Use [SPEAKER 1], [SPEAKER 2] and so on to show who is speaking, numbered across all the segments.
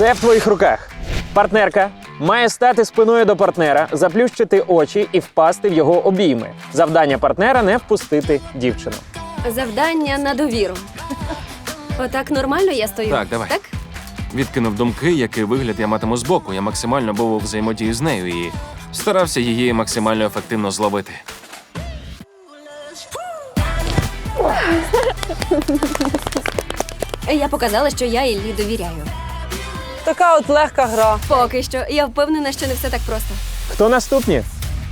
[SPEAKER 1] Все в твоїх руках. Партнерка має стати спиною до партнера, заплющити очі і впасти в його обійми. Завдання партнера – не впустити дівчину.
[SPEAKER 2] Завдання на довіру. Отак нормально я стою?
[SPEAKER 3] Так, давай.
[SPEAKER 2] Так?
[SPEAKER 3] Відкинув думки, який вигляд я матиму збоку. Я максимально був у взаємодії з нею і старався її максимально ефективно зловити.
[SPEAKER 2] Я показала, що я Іллі довіряю.
[SPEAKER 4] Така от легка гра.
[SPEAKER 2] Поки що. Я впевнена, що не все так просто.
[SPEAKER 1] Хто наступні?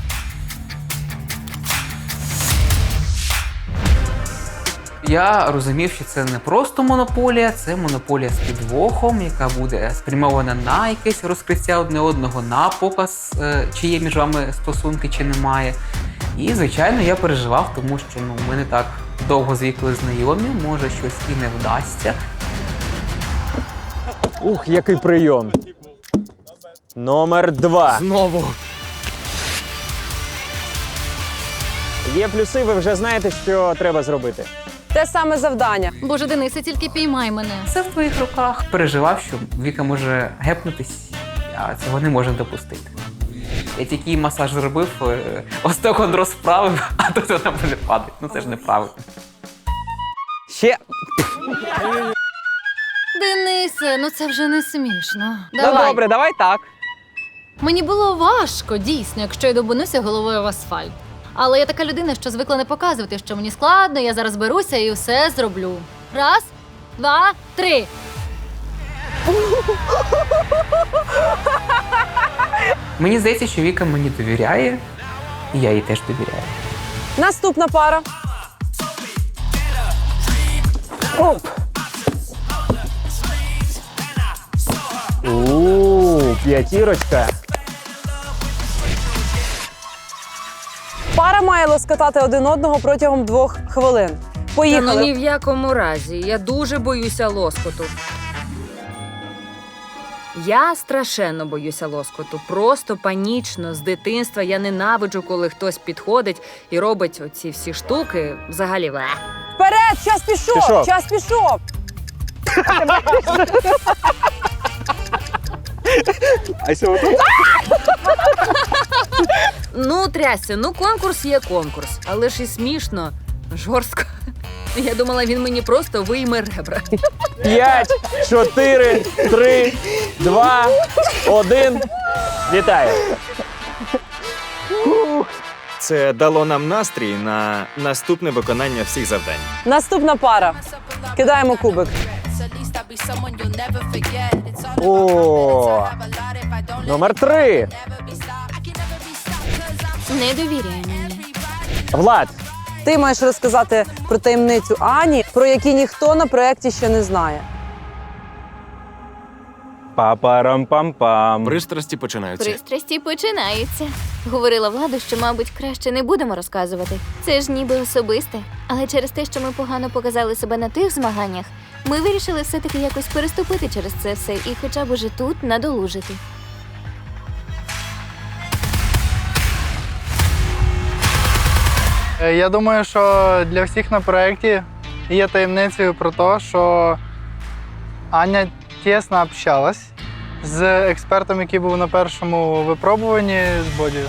[SPEAKER 5] Я розумів, що це не просто монополія, це монополія з підвохом, яка буде спрямована на якесь розкриття одне одного, на показ, чи є між вами стосунки, чи немає. І, звичайно, я переживав, тому що ми не так довго з вікою знайомі, може щось і не вдасться.
[SPEAKER 1] Ух, який прийом. Номер 2.
[SPEAKER 3] Знову!
[SPEAKER 1] Є плюси, ви вже знаєте, що треба зробити.
[SPEAKER 4] Те саме завдання.
[SPEAKER 6] Боже, Денисе, тільки піймай мене.
[SPEAKER 5] Це в твоїх руках. Переживав, що Віка може гепнутись, а цього не можна допустити. Я тільки їй масаж зробив, остеохондроз вправив, а тут вона буде падати. Це ж неправильно.
[SPEAKER 1] Ще.
[SPEAKER 6] Денисе, ну це вже не смішно.
[SPEAKER 4] Ну добре, давай так.
[SPEAKER 6] Мені було важко, дійсно, якщо я добунуся головою в асфальт. Але я така людина, що звикла не показувати, що мені складно, я зараз беруся і все зроблю. Раз, два, три.
[SPEAKER 5] Мені здається, що Віка мені довіряє, і я їй теж довіряю.
[SPEAKER 4] Наступна пара.
[SPEAKER 1] Оп! П'ятірочка.
[SPEAKER 4] Пара має лоскотати один одного протягом 2 хвилин.
[SPEAKER 7] Та ну
[SPEAKER 4] Поїхали.
[SPEAKER 7] ні в якому разі. Я дуже боюся лоскоту. Я страшенно боюся лоскоту. Просто панічно. З дитинства я ненавиджу, коли хтось підходить і робить оці всі штуки. Взагалі,
[SPEAKER 4] Вперед, час пішов,
[SPEAKER 1] Пішов.
[SPEAKER 4] час пішов.
[SPEAKER 7] Ну, трясся, ну конкурс є конкурс. Але ж і смішно, жорстко. Я думала, він мені просто вийме ребра.
[SPEAKER 1] 5, 4, 3, 2, 1. Вітаю.
[SPEAKER 8] Це дало нам настрій на наступне виконання всіх завдань.
[SPEAKER 4] Наступна пара. Кидаємо кубик.
[SPEAKER 1] О, номер 3.
[SPEAKER 2] Не довіряй мені.
[SPEAKER 1] Влад.
[SPEAKER 4] Ти маєш розказати про таємницю Ані, про які ніхто на проєкті ще не знає.
[SPEAKER 1] Папарам-пам-пам.
[SPEAKER 3] Пристрасті починаються.
[SPEAKER 2] Пристрасті починаються. Говорила Владу, що, мабуть, краще не будемо розказувати. Це ж ніби особисте. Але через те, що ми погано показали себе на тих змаганнях, ми вирішили все-таки якось переступити через це все і хоча б уже тут надолужити.
[SPEAKER 9] Я думаю, що для всіх на проєкті є таємницею про те, що Аня тісно общалась з експертом, який був на першому випробуванні з Бодію.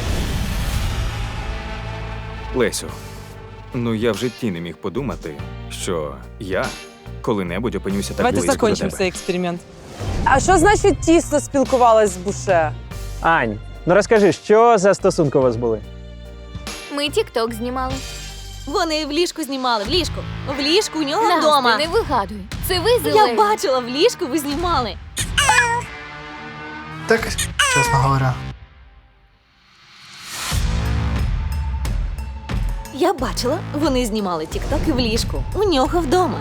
[SPEAKER 8] Лесю, ну я в житті не міг подумати, що я коли-небудь опинюся так
[SPEAKER 4] Давайте
[SPEAKER 8] близько до
[SPEAKER 4] закінчимо
[SPEAKER 8] тебе.
[SPEAKER 4] цей експеримент. А що значить тісно спілкувалась з Буше?
[SPEAKER 1] Ань, ну розкажи, що за стосунки у вас були?
[SPEAKER 2] Ми тік-ток знімали.
[SPEAKER 10] Вони в ліжку знімали, в ліжку. В ліжку у нього
[SPEAKER 2] Настя,
[SPEAKER 10] вдома.
[SPEAKER 2] не вигадуй. Це ви
[SPEAKER 10] Я
[SPEAKER 2] зелені.
[SPEAKER 10] бачила, в ліжку ви знімали.
[SPEAKER 9] Так, чесно говоря.
[SPEAKER 10] Я бачила, вони знімали тік-токи в ліжку. У нього вдома.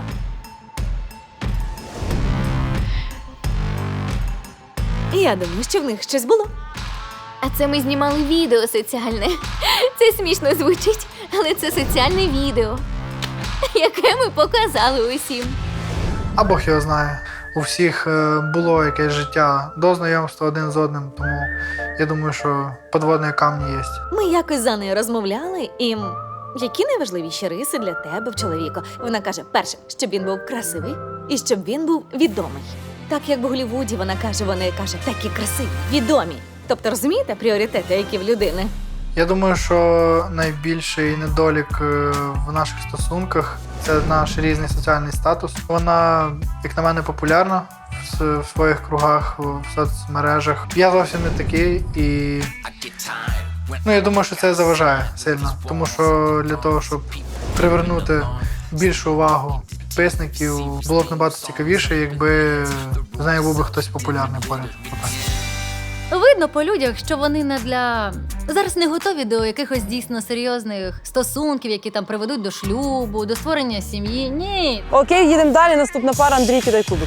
[SPEAKER 10] Я думаю, що в них щось було.
[SPEAKER 2] А це ми знімали відео соціальне. Це смішно звучить, але це соціальне відео, яке ми показали усім.
[SPEAKER 9] А Бог його знає. У всіх було якесь життя до знайомства один з одним, тому я думаю, що підводні камні є.
[SPEAKER 10] Ми якось за нею розмовляли, і які найважливіші риси для тебе в чоловіку? Вона каже, перше, щоб він був красивий і щоб він був відомий. Так як в Голлівуді вона каже, такі красиві, відомі. Тобто, розумієте, пріоритети, які в людини?
[SPEAKER 9] Я думаю, що найбільший недолік в наших стосунках – це наш різний соціальний статус. Вона, як на мене, популярна в своїх кругах, в соцмережах. Я зовсім не такий і я думаю, що це заважає сильно. Тому що для того, щоб привернути більшу увагу підписників, було б набагато цікавіше, якби з нею був би хтось популярний поряд.
[SPEAKER 6] Видно по людях, що вони не для зараз не готові до якихось дійсно серйозних стосунків, які там приведуть до шлюбу, до створення сім'ї. Ні.
[SPEAKER 4] Окей, їдемо далі. Наступна пара. Андрій, кидай кубик.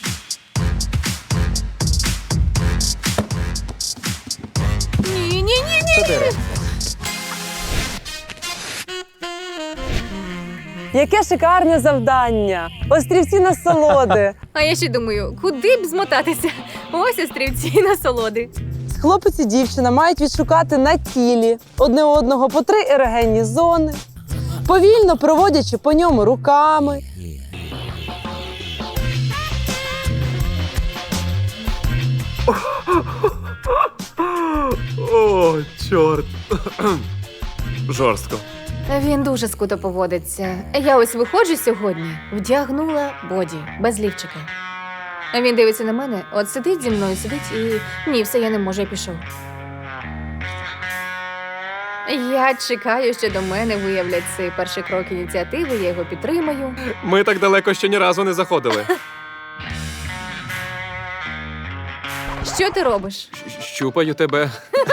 [SPEAKER 10] Ні.
[SPEAKER 1] 4.
[SPEAKER 4] Яке шикарне завдання! Острівці насолоди.
[SPEAKER 2] А я ще думаю, куди б змотатися? Ось острівці насолоди.
[SPEAKER 4] Хлопець і дівчина мають відшукати на тілі одне одного по 3 ерогенні зони, повільно проводячи по ньому руками.
[SPEAKER 3] О, чорт. Жорстко.
[SPEAKER 2] Він дуже скуто поводиться. Я ось виходжу сьогодні, вдягнула боді, без лівчика. А він дивиться на мене, от сидить зі мною, сидить і ні, все, я не можу, я пішов. Я чекаю, що до мене виявлять цей перший крок ініціативи, я його підтримаю.
[SPEAKER 3] Ми так далеко ще ні разу не заходили.
[SPEAKER 2] Що ти робиш?
[SPEAKER 3] Щупаю тебе.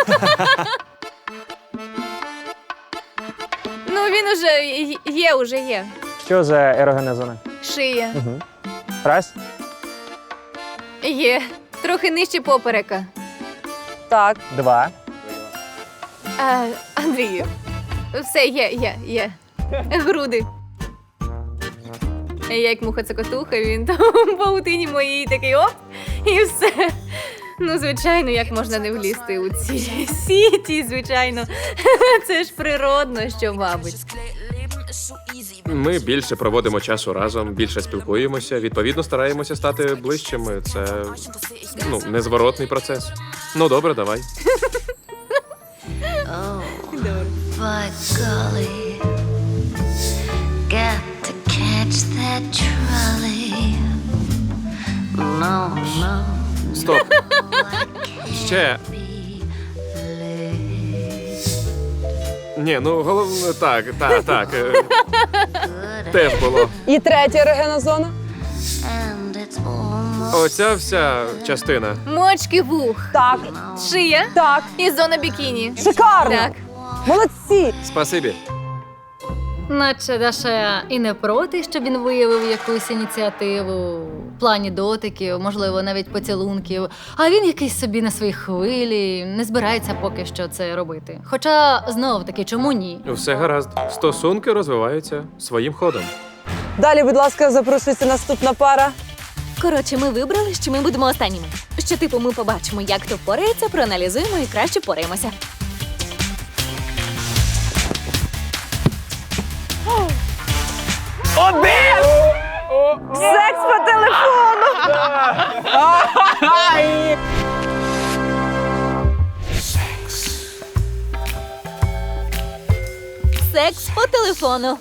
[SPEAKER 2] Ну, він уже є.
[SPEAKER 1] Що за ерогенна зона?
[SPEAKER 2] Шия.
[SPEAKER 1] Угу. Раз.
[SPEAKER 2] Є. Трохи нижче поперека.
[SPEAKER 4] Так.
[SPEAKER 1] 2.
[SPEAKER 2] Андрію, все, є. Груди. Я як муха-цокотуха, він там в паутині моїй такий оп, і все. Ну, звичайно, як можна не влізти у ці сіті, звичайно. Це ж природно, що, мабуть.
[SPEAKER 3] Ми більше проводимо часу разом, більше спілкуємося, відповідно стараємося стати ближчими. Це, незворотний процес. Ну, добре, давай.
[SPEAKER 11] By golly, got to catch that trolley. No.
[SPEAKER 3] Стоп. Ще. Ні, головне, так. Теж було.
[SPEAKER 4] І третя ерогенна зона.
[SPEAKER 3] Оця вся частина.
[SPEAKER 2] Мочки вух.
[SPEAKER 4] Так.
[SPEAKER 2] Шия.
[SPEAKER 4] Так.
[SPEAKER 2] І зона бікіні.
[SPEAKER 4] Шикарно!
[SPEAKER 2] Так.
[SPEAKER 4] Молодці!
[SPEAKER 3] Спасибі.
[SPEAKER 6] Наче Даша і не проти, щоб він виявив якусь ініціативу в плані дотиків, можливо, навіть поцілунків. А він якийсь собі на своїй хвилі, не збирається поки що це робити. Хоча, знов-таки, чому ні?
[SPEAKER 3] Все гаразд. Стосунки розвиваються своїм ходом.
[SPEAKER 4] Далі, будь ласка, запрошується наступна пара.
[SPEAKER 10] Коротше, ми вибрали, що ми будемо останніми. Що, ми побачимо, як хто впорається, проаналізуємо і краще впораємося.
[SPEAKER 4] Секс по телефону!
[SPEAKER 10] Секс по телефону.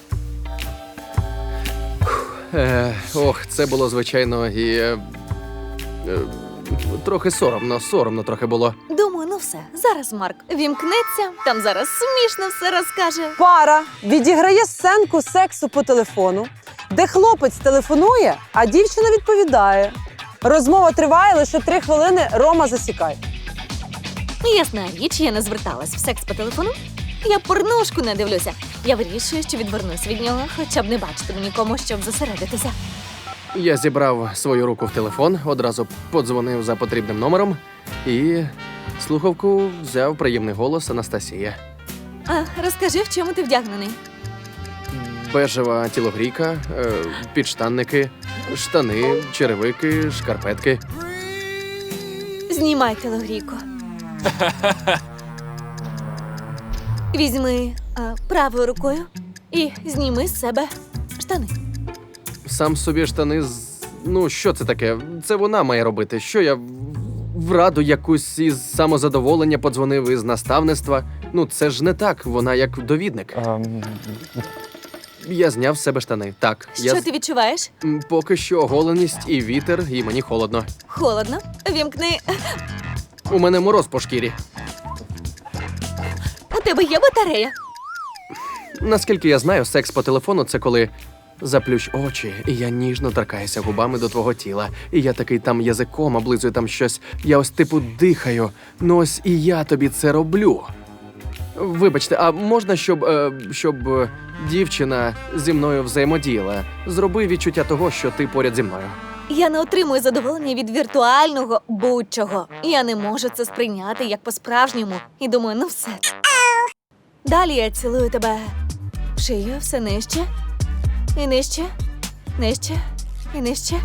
[SPEAKER 12] Це було, звичайно, і трохи соромно трохи було.
[SPEAKER 10] Думаю, ну все. Зараз Марк вімкнеться, там зараз смішно все розкаже.
[SPEAKER 4] Пара відіграє сценку сексу по телефону, де хлопець телефонує, а дівчина відповідає. Розмова триває лише 3 хвилини, Рома засікає.
[SPEAKER 10] Ясна річ, я не зверталась в секс по телефону. Я порнушку не дивлюся. Я вирішую, що відвернусь від нього, хоча б не бачитиму нікому, щоб зосередитися.
[SPEAKER 12] Я зібрав свою руку в телефон, одразу подзвонив за потрібним номером і слухавку взяв приємний голос Анастасія.
[SPEAKER 10] Розкажи, в чому ти вдягнений?
[SPEAKER 12] Бежева тілогрійка, підштанники, штани, черевики, шкарпетки.
[SPEAKER 10] Знімай телогрійку. Візьми правою рукою і зніми з себе штани.
[SPEAKER 12] Сам собі штани Ну, що це таке? Це вона має робити. Що я в раду якусь із самозадоволення подзвонив із наставництва? Ну, це ж не так, вона як довідник. Я зняв з себе штани. Так,
[SPEAKER 10] Що ти відчуваєш?
[SPEAKER 12] Поки що оголеність і вітер, і мені холодно.
[SPEAKER 10] Холодно. Вімкни.
[SPEAKER 12] У мене мороз по шкірі.
[SPEAKER 10] У тебе є батарея?
[SPEAKER 12] Наскільки я знаю, секс по телефону це коли заплющ очі, і я ніжно торкаюся губами до твого тіла. І я такий там язиком облизую там щось. Я ось типу дихаю. Ну ось і я тобі це роблю. Вибачте, а можна, щоб дівчина зі мною взаємодіяла? Зроби відчуття того, що ти поряд зі мною.
[SPEAKER 10] Я не отримую задоволення від віртуального будь-чого. Я не можу це сприйняти як по-справжньому. І думаю, ну все. Далі я цілую тебе в шию, все нижче. І нижче, нижче, і нижче.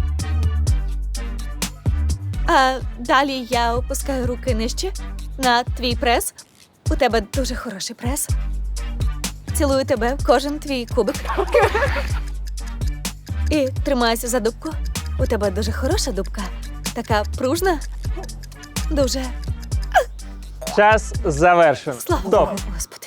[SPEAKER 10] А далі я опускаю руки нижче на твій прес. У тебе дуже хороший прес. Цілую тебе в кожен твій кубик. І тримаюся за дубку. У тебе дуже хороша дубка. Така пружна. Дуже.
[SPEAKER 1] Час завершено.
[SPEAKER 10] Слава
[SPEAKER 1] Стоп.
[SPEAKER 10] Богу, Господи.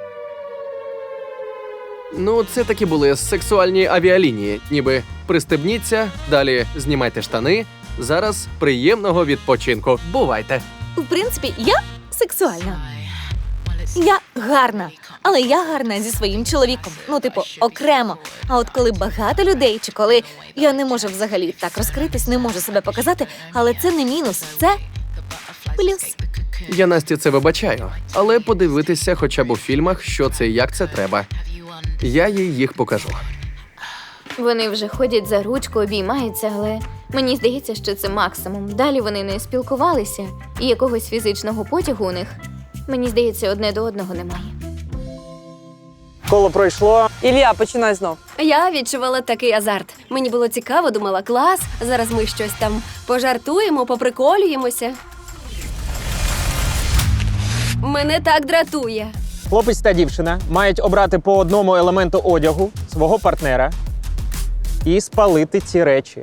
[SPEAKER 12] Ну, це такі були сексуальні авіалінії. Ніби пристебніться, далі знімайте штани. Зараз приємного відпочинку. Бувайте!
[SPEAKER 10] В принципі, я сексуальна. Я гарна, але я гарна зі своїм чоловіком. Ну, типу, окремо. А от коли багато людей, чи коли я не можу взагалі так розкритись, не можу себе показати, але це не мінус, це плюс.
[SPEAKER 12] Я Насті це вибачаю, але подивитися хоча б у фільмах, що це і як це треба. Я їй їх покажу.
[SPEAKER 2] Вони вже ходять за ручку, обіймаються, але мені здається, що це максимум. Далі вони не спілкувалися, і якогось фізичного потягу у них, мені здається, одне до одного немає.
[SPEAKER 1] Коло пройшло.
[SPEAKER 4] Ілля, починай знов.
[SPEAKER 13] Я відчувала такий азарт. Мені було цікаво, думала, клас, зараз ми щось там пожартуємо, поприколюємося. Мене так дратує.
[SPEAKER 1] Хлопець та дівчина мають обрати по одному елементу одягу свого партнера і спалити ці речі.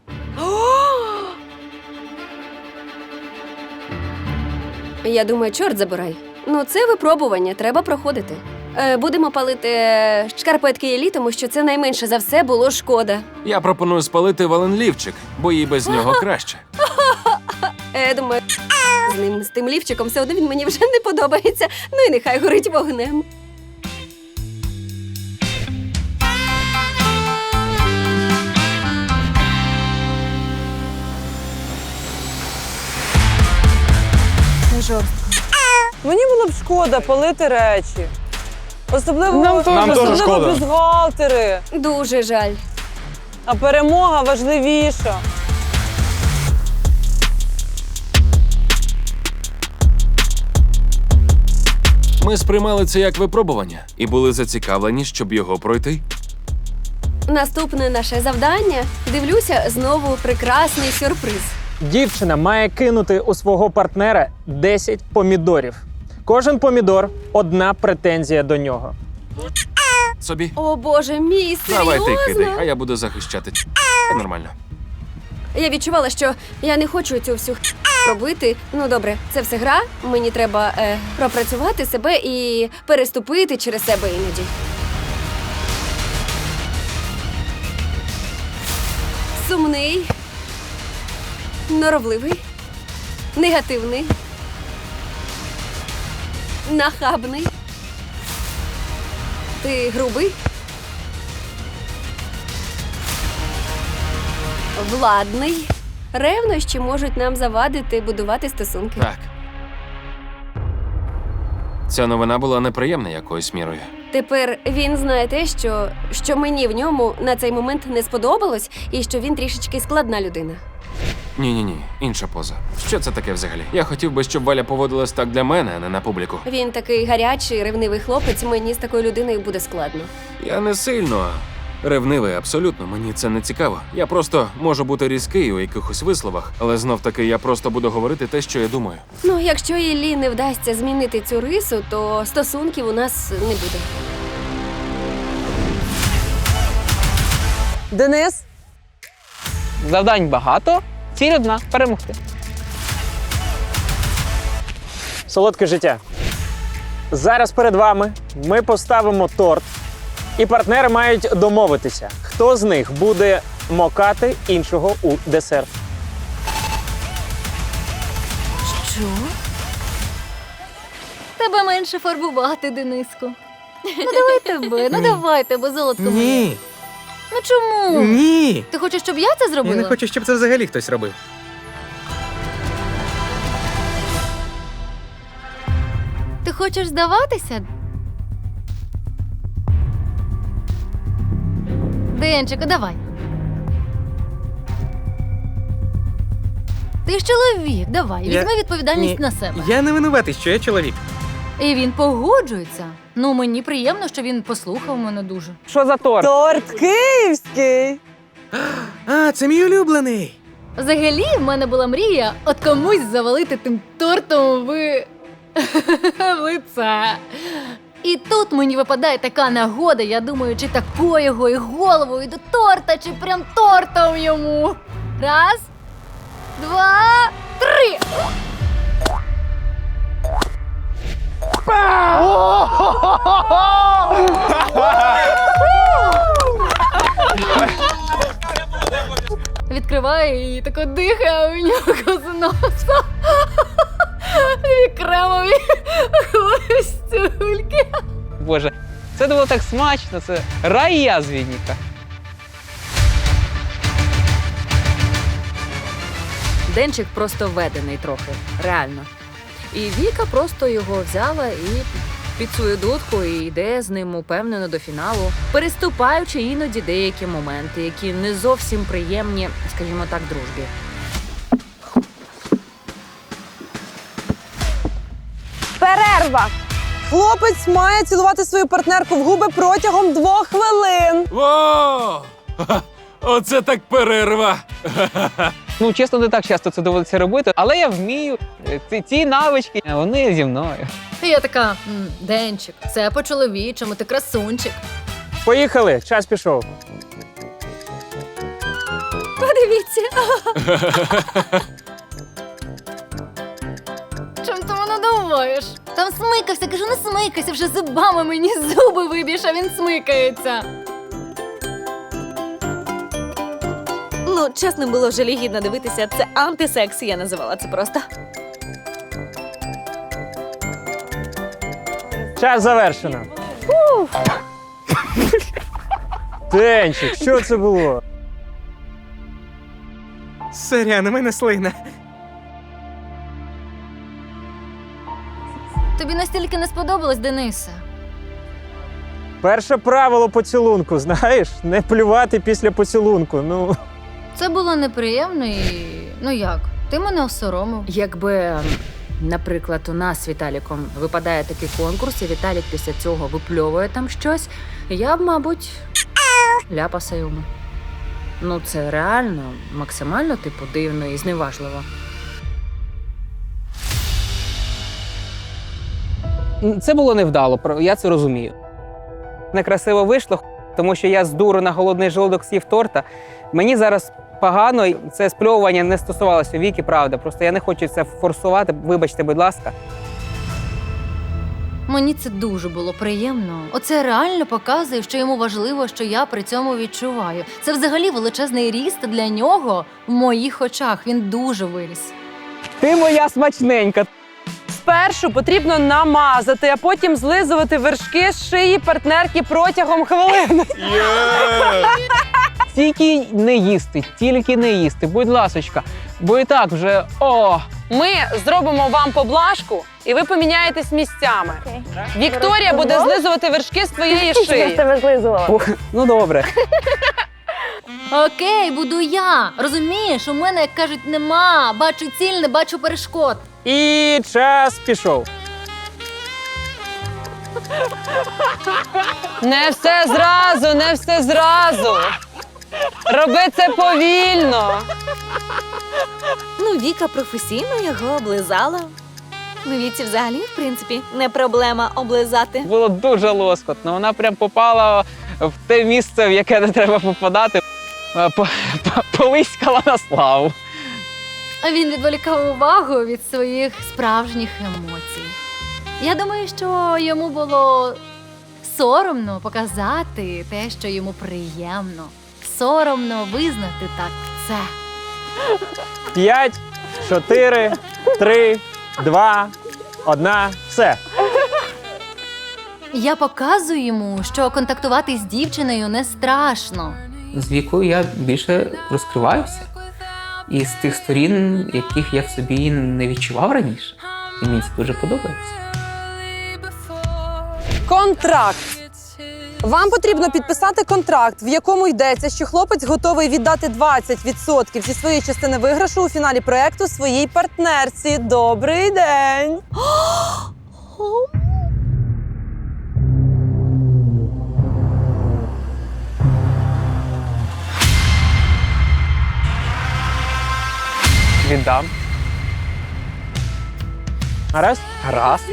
[SPEAKER 13] Я думаю, чорт забирай. Ну, це випробування, треба проходити. Будемо палити шкарпетки Іллі, тому що це найменше за все було шкода.
[SPEAKER 14] Я пропоную спалити Вален-лівчик, бо їй без нього краще.
[SPEAKER 13] Думаю, з тим лівчиком все одно він мені вже не подобається. Ну і нехай горить вогнем.
[SPEAKER 4] Мені було б шкода палити речі. Особливо,
[SPEAKER 14] Нам теж
[SPEAKER 4] особливо
[SPEAKER 14] шкода.
[SPEAKER 4] бюстгальтери.
[SPEAKER 13] Дуже жаль.
[SPEAKER 4] А перемога важливіша.
[SPEAKER 14] Ми сприймали це як випробування і були зацікавлені, щоб його пройти.
[SPEAKER 13] Наступне наше завдання. Дивлюся, знову прекрасний сюрприз.
[SPEAKER 1] Дівчина має кинути у свого партнера 10 помідорів. Кожен помідор – одна претензія до нього.
[SPEAKER 14] Собі.
[SPEAKER 13] О боже мій,
[SPEAKER 14] Давай ти
[SPEAKER 13] серйозно?
[SPEAKER 14] кидай, а я буду захищати. Нормально.
[SPEAKER 13] Я відчувала, що я не хочу цю всю робити. Ну добре, це все гра. Мені треба пропрацювати себе і переступити через себе іноді. Сумний, норовливий, негативний, нахабний. Ти грубий? Владний. Ревнощі можуть нам завадити будувати стосунки.
[SPEAKER 14] Так. Ця новина була неприємна якоюсь мірою.
[SPEAKER 13] Тепер він знає те, що мені в ньому на цей момент не сподобалось, і що він трішечки складна людина.
[SPEAKER 14] Ні, інша поза. Що це таке взагалі? Я хотів би, щоб Валя поводилась так для мене, а не на публіку.
[SPEAKER 13] Він такий гарячий, ревнивий хлопець, мені з такою людиною буде складно.
[SPEAKER 14] Я не сильно ревнивий, абсолютно. Мені це не цікаво. Я просто можу бути різкий у якихось висловах, але знов-таки я просто буду говорити те, що я думаю.
[SPEAKER 13] Ну, якщо Іллі не вдасться змінити цю рису, то стосунків у нас не буде.
[SPEAKER 4] Денис,
[SPEAKER 5] Завдань багато, ціль одна – перемогти.
[SPEAKER 1] Солодке життя. Зараз перед вами ми поставимо торт, і партнери мають домовитися, хто з них буде мокати іншого у десерт.
[SPEAKER 2] Що?
[SPEAKER 6] Тебе менше фарбувати, Дениску. Ну давай тебе, давай тебе, золотко моє.
[SPEAKER 15] Ні.
[SPEAKER 6] Ну чому?
[SPEAKER 15] Ні.
[SPEAKER 6] Ти хочеш, щоб я це зробила?
[SPEAKER 15] Я не хочу, щоб це взагалі хтось робив.
[SPEAKER 6] Ти хочеш здаватися? Денчику, давай. Ти ж чоловік, давай, візьми відповідальність на себе.
[SPEAKER 15] Я не винуватий, що я чоловік.
[SPEAKER 6] І він погоджується. Ну, мені приємно, що він послухав мене дуже.
[SPEAKER 5] Що за торт?
[SPEAKER 4] Торт київський.
[SPEAKER 15] А, це мій улюблений.
[SPEAKER 6] Взагалі, в мене була мрія от комусь завалити тим тортом в лице. І тут мені випадає така нагода, я думаю, чи такою його і головою до торта, чи прям тортом йому. Раз, два, три. Відкриває і тако дихає у нього з носа. І кремові хвостюльки.
[SPEAKER 5] Боже, це було так смачно, це рай язвінника.
[SPEAKER 7] Денчик просто введений трохи, реально. І Віка просто його взяла і під свою дудку і йде з ним упевнено до фіналу, переступаючи іноді деякі моменти, які не зовсім приємні, скажімо так, дружбі.
[SPEAKER 4] Перерва. Хлопець має цілувати свою партнерку в губи протягом 2 хвилин.
[SPEAKER 14] О! Оце так перерва!
[SPEAKER 5] Ну, чесно, не так часто це доводиться робити, але я вмію. Ці навички, вони зі мною.
[SPEAKER 6] І я така, Денчик, це по-чоловічому, ти красунчик.
[SPEAKER 1] Поїхали, час пішов.
[SPEAKER 2] Подивіться.
[SPEAKER 6] Чим ти мене думаєш? Там смикався, кажу, не смикайся, вже зубами мені зуби виб'єш, а він смикається.
[SPEAKER 10] Ну, чесно, було жалігідно дивитися. Це антисекс, я називала це просто.
[SPEAKER 1] Час завершено. Денчик, що це було?
[SPEAKER 15] Сорян, у мене слина.
[SPEAKER 6] Тобі настільки не сподобалось, Денисе?
[SPEAKER 1] Перше правило поцілунку, знаєш? Не плювати після поцілунку. Ну.
[SPEAKER 6] Це було неприємно і... Ну як? Ти мене осоромив.
[SPEAKER 7] Якби, наприклад, у нас з Віталіком випадає такий конкурс, і Віталік після цього випльовує там щось, я б, мабуть, ляпаса йому. Ну, це реально, максимально, типу, дивно і зневажливо.
[SPEAKER 5] Це було невдало, я це розумію. Некрасиво вийшло, тому що я з дуру на голодний желудок з'їв торта. Мені зараз погано, і це спльовування не стосувалося Віки, правда. Просто я не хочу це форсувати, вибачте, будь ласка.
[SPEAKER 6] Мені це дуже було приємно. Оце реально показує, що йому важливо, що я при цьому відчуваю. Це взагалі величезний ріст для нього в моїх очах. Він дуже виріс.
[SPEAKER 5] Ти моя смачненька.
[SPEAKER 4] Спершу потрібно намазати, а потім злизувати вершки з шиї партнерки протягом хвилини.
[SPEAKER 5] Тільки не їсти, будь ласочка. Бо і так вже,
[SPEAKER 4] Ми зробимо вам поблажку, і ви поміняєтесь місцями. Вікторія буде злизувати вершки з твоєї шиї.
[SPEAKER 5] Ну добре.
[SPEAKER 6] Окей, буду я. Розумієш, у мене, як кажуть, нема. Бачу ціль, не бачу перешкод.
[SPEAKER 1] І час пішов.
[SPEAKER 4] Не все зразу, не все зразу. Роби це повільно.
[SPEAKER 10] Ну, Віка професійно його облизала. Ну, Віці взагалі, в принципі, не проблема облизати.
[SPEAKER 5] Було дуже лоскотно. Вона прям попала в те місце, в яке не треба попадати. Полиськала на славу.
[SPEAKER 6] А він відволікав увагу від своїх справжніх емоцій. Я думаю, що йому було соромно показати те, що йому приємно. Соромно визнати так це.
[SPEAKER 1] 5, 4, 3, 2, 1. Все.
[SPEAKER 6] Я показую йому, що контактувати з дівчиною не страшно.
[SPEAKER 5] З вікою я більше розкриваюся. І з тих сторін, яких я в собі не відчував раніше. І мені це дуже подобається.
[SPEAKER 4] Контракт. Вам потрібно підписати контракт, в якому йдеться, що хлопець готовий віддати 20% зі своєї частини виграшу у фіналі проекту своїй партнерці. Добрий день!
[SPEAKER 5] Віддам.
[SPEAKER 1] Гаразд?
[SPEAKER 5] Гаразд.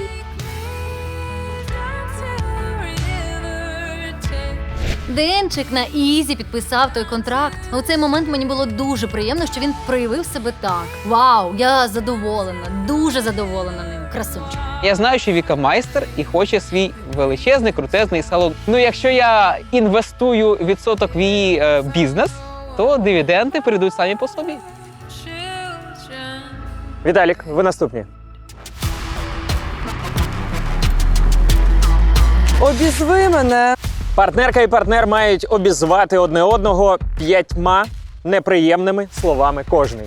[SPEAKER 6] Денчик на ізі підписав той контракт. У цей момент мені було дуже приємно, що він проявив себе так. Вау, я задоволена, дуже задоволена ним. Красунчик.
[SPEAKER 5] Я знаю, що Віка майстер і хоче свій величезний, крутезний салон. Ну, якщо я інвестую відсоток в її бізнес, то дивіденди прийдуть самі по собі.
[SPEAKER 1] Віталік, ви наступні.
[SPEAKER 4] Обізви мене.
[SPEAKER 1] Партнерка і партнер мають обізвати одне одного 5 неприємними словами кожний.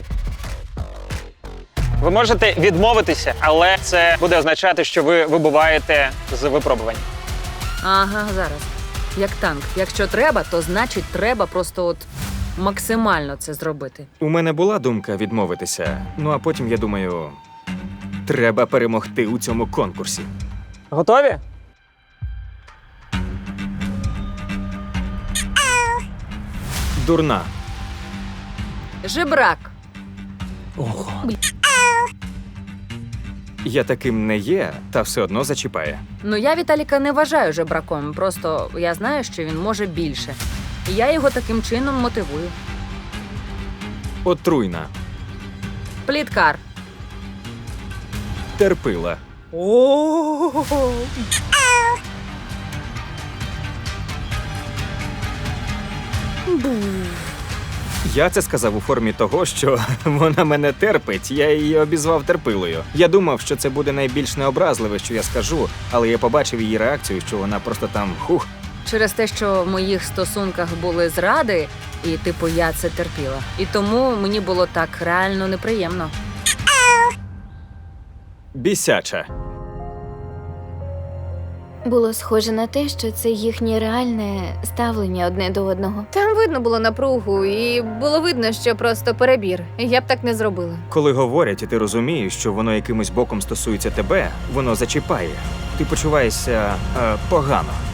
[SPEAKER 1] Ви можете відмовитися, але це буде означати, що ви вибуваєте з випробувань.
[SPEAKER 7] Ага, зараз. Як танк. Якщо треба, то значить треба просто от максимально це зробити.
[SPEAKER 8] У мене була думка відмовитися, ну а потім я думаю, треба перемогти у цьому конкурсі.
[SPEAKER 1] Готові?
[SPEAKER 8] Дурна.
[SPEAKER 7] Жебрак.
[SPEAKER 8] Я таким не є, та все одно зачіпає.
[SPEAKER 7] Ну я Віталіка не вважаю жебраком. Просто я знаю, що він може більше. І я його таким чином мотивую.
[SPEAKER 8] Отруйна.
[SPEAKER 7] Пліткар.
[SPEAKER 8] Терпила. Я це сказав у формі того, що вона мене терпить, я її обізвав терпилою. Я думав, що це буде найбільш необразливе, що я скажу, але я побачив її реакцію, що вона просто там хух.
[SPEAKER 7] Через те, що в моїх стосунках були зради, і типу я це терпіла. І тому мені було так реально неприємно.
[SPEAKER 8] Бісяча.
[SPEAKER 2] Було схоже на те, що це їхнє реальне ставлення одне до одного. Там видно було напругу, і було видно, що просто перебір. Я б так не зробила.
[SPEAKER 8] Коли говорять, і ти розумієш, що воно якимось боком стосується тебе, воно зачіпає. Ти почуваєшся погано.